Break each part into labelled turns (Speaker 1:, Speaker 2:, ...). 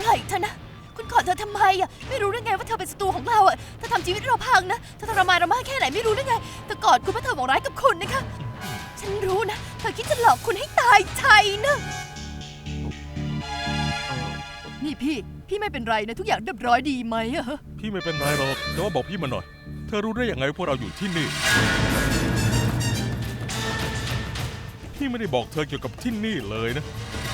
Speaker 1: ล่เธอนะคุณกอดเธอทำไมอ่ะไม่รู้ได้ไงว่าเธอเป็นศัตรูของเราอ่ะเธอทำชีวิตเราพังนะเธอทรมานเรามากแค่ไหนไม่รู้ได้ไงเธอกอดคุณเพราะเธอหวังร้ายกับคุณนะคะฉันรู้นะเธอคิดจะหลอกคุณให้ตายใจนะนี่พี่ไม่เป็นไรนะทุกอย่างเรียบร้อยดีไหมอะฮะ
Speaker 2: พี่ไม่เป็นไรหรอกแต่ว่าบอกพี่มาหน่อยเธอรู้ได้ยังไงว่าพวกเราอยู่ที่นี่พี่ไม่ได้บอกเธอเกี่ยวกับที่นี่เลยนะ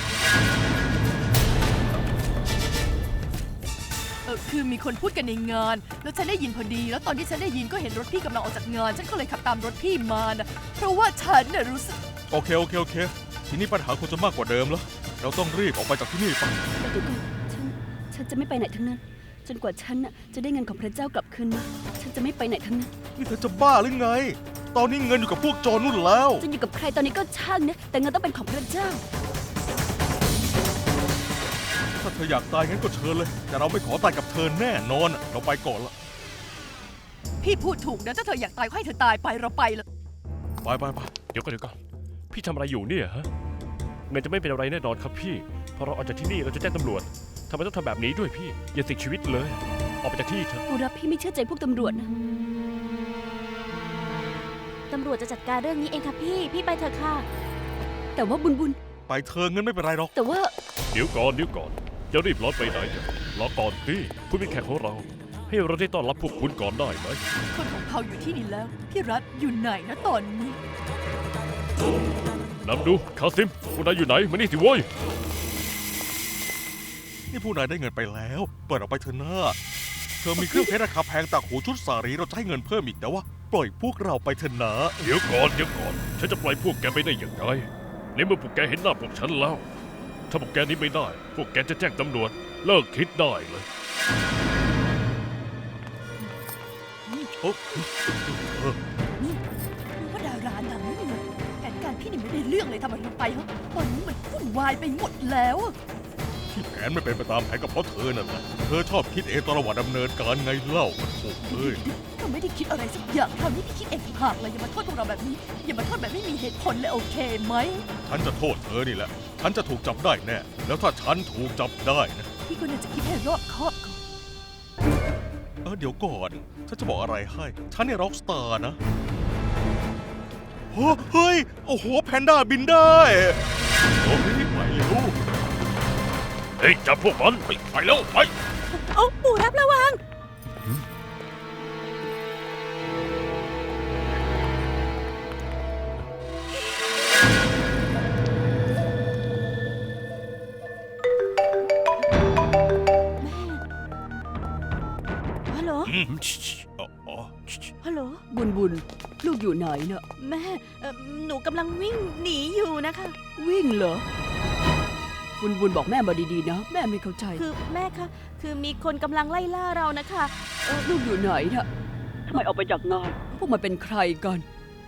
Speaker 1: คือมีคนพูดกันในงานแล้วฉันได้ยินพอดีแล้วตอนที่ฉันได้ยินก็เห็นรถพี่กำลังออกจากงานฉันก็เลยขับตามรถพี่มานะเพราะว่าฉันน่ะรู้สึก
Speaker 2: โอเคทีนี้ปัญหาคงจะมากกว่าเดิมแล้วเราต้องรีบออกไปจากที่นี่ไป
Speaker 3: แต่เดี๋ยวก่อนฉันจะไม่ไปไหนทั้งนั้นจนกว่าฉันจะได้เงินของพระเจ้ากลับคืนมาฉันจะไม่ไปไหนทั้งนั้น
Speaker 2: นี่เธอจะบ้าหรือไงตอนนี้เงินอยู่กับพวกโจรนู่นแล้ว
Speaker 3: จะอยู่กับใครตอนนี้ก็ช่างนะแต่เงินต้องเป็นของพระเจ้า
Speaker 2: ถ้าเธออยากตายงั้นก็เชิญเลยแต่เราไม่ขอตายกับเธอแน่นอนเราไปก่อนละ
Speaker 1: พี่พูดถูกนะถ้าเธออยากตายก็ให้เธอตายไปเราไปเลย
Speaker 2: ไป
Speaker 4: เดี๋ยวก่อนพี่ทำอะไรอยู่เนี่ยฮะเงินจะไม่เป็นอะไรแน่นอนครับพี่พอเราออกจากที่นี่เราจะแจ้งตำรวจทำไมต้องทำแบบนี้ด้วยพี่อย่าเสี่ยงชีวิตเลยออกไปจากที่เถอะ
Speaker 3: ปูรับพี่ไม่เชื่อใจพวกตำรวจนะ
Speaker 5: ตำรวจจะจัดการเรื่องนี้เองค่ะพี่ไปเถอะค่ะ
Speaker 3: แต่ว่าบุญ
Speaker 2: ไปเธอเงินไม่เป็นไรหรอก
Speaker 3: แต่ว่า
Speaker 4: เดี๋ยวก่อนจะรีบร้อนไปไหนรอก่อนพี่คุณเป็นแขกของเราให้เราได้ต้อนรับพวกคุณก่อนได้ไหม
Speaker 1: คนของเขาอยู่ที่นี่แล้วพี่รัฐอยู่ไหนนะตอนนี้
Speaker 4: นำดูคาซิมพวกนายอยู่ไหนมานี่สิโว้ย
Speaker 2: นี่ผู้นายได้เงินไปแล้วเปิดออกไปเถอะหน้าเธอมีเครื่องเพชรราคาแพงต่างหูชุดสารีเราจะให้เงินเพิ่มอีกแต่ว่าปล่อยพวกเราไปเถอะนะ
Speaker 4: เดี๋ยวก่อนฉันจะปล่อยพวกแกไปได้อย่างไรในเมื่อพวกแกเห็นหน้าพวกฉันแล้วถ้าพวกแกนี้ไม่ได้พวกแกจะแจ้งตำรวจเลิกคิดได้เลย
Speaker 1: นี่ว่าดาราหนังนี่ไงแผนการพี่นี่ไม่ได้เรื่องเลยทำอะไรลงไปฮะตอนนี้มันวุ่นวายไปหมดแล้ว
Speaker 2: ที่แผนไม่เป็นไปตามแผนก็เพราะเธอนั่นแหละเธอชอบคิดเองตลอดดำเนินการไงเล่าโอ้เอ้ย
Speaker 1: ก็ไม่ได้คิดอะไรสักอย่างคราวนี้พี่คิดเองหากเลยอย่ามาโทษพวกเราแบบนี้อย่ามาโทษแบบไม่มีเหตุผลเลยโอเคไหม
Speaker 2: ฉันจะโทษเธอนี่แหละฉันจะถูกจับได้แน่แล้วถ้าฉันถูกจับได้นะ
Speaker 1: พี่ก็น่าจะคิดให้รอบคอบก่อน
Speaker 2: เดี๋ยวก่อนฉันจะบอกอะไรให้ฉันเนี่ยร็อกสตาร์นะเฮ้ยโอ้โหแพนด้าบินได้โอ้ยไปเร็ว
Speaker 4: เฮ้ยจับพวกมันไปแล้วไป
Speaker 1: โอ้ปู่รับระวัง
Speaker 5: ฮัลโหลฮัลโหล
Speaker 3: บุญลูกอยู่ไหนเนอะ
Speaker 5: แม่หนูกำลังวิ่งหนีอยู่นะคะ
Speaker 3: วิ่งเหรอบุญบอกแม่มาดีๆนะแม่ไม่เข้าใจ
Speaker 5: คือแม่คะคือมีคนกำลังไล่ล่าเรานะคะ
Speaker 3: ลูกอยู่ไหนเนอะทำไมออกไปจากงานพวกมันเป็นใครกัน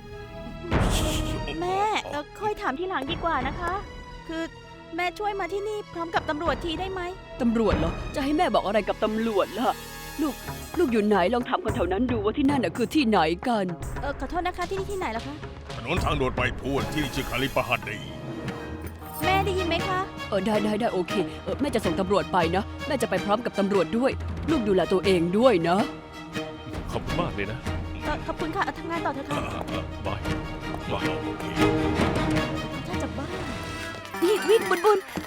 Speaker 5: แม่ค่อยถามทีหลังดีกว่านะคะคือแม่ช่วยมาที่นี่พร้อมกับตำรวจทีได้ไหม
Speaker 3: ตำรวจเหรอจะให้แม่บอกอะไรกับตำรวจล่ะลูกอยู่ไหนลองถามคนแถวนั้นดูว่าที่นั่นน่ะคือที่ไหนกัน
Speaker 5: ขอโทษนะคะที่นี่ที่ไหนล่ะคะ
Speaker 2: ถนนทางด่วนไปพูนที่ชื่อคาลิปะฮัดดี
Speaker 5: แม่ได้ยินไหมคะ
Speaker 3: ได้โอเคแม่จะส่งตำรวจไปนะแม่จะไปพร้อมกับตำรวจด้วยลูกดูแลตัวเองด้วยนะ
Speaker 4: ขอบคุณมากเลยนะ
Speaker 5: ขอบคุณค่ะทำงานต่อเถอะค่ะ
Speaker 4: บาย
Speaker 5: ถ้าจะบ้า
Speaker 3: นี่วิ่งบุญ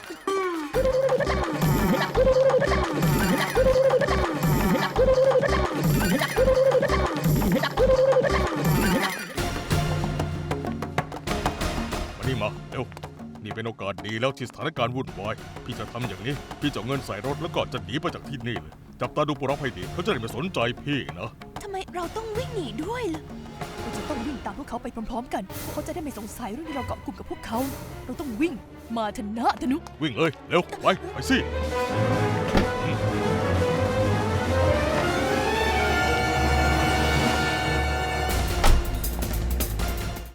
Speaker 2: วันนี้มาเร็วนี่เป็นโอกาสดีแล้วที่สถานการณ์วุ่นวายพี่จะทำอย่างนี้พี่จะเงินใส่รถแล้วก็จะหนีไปจากที่นี่เลยจับตาดูปุรับให้ดีเขาจะได้ไม่สนใจพี่นะ
Speaker 1: ทำไมเราต้องวิ่งหนีด้วยล่ะเราจะต้องวิ่งตามพวกเขาไปพร้อมๆกันเขาจะได้ไม่สงสัยเรื่องที่เราเกาะกลุ่มกับพวกเขาเราต้องวิ่งมาชนะธนุ
Speaker 2: วิ่งเลยเร็วไปสิ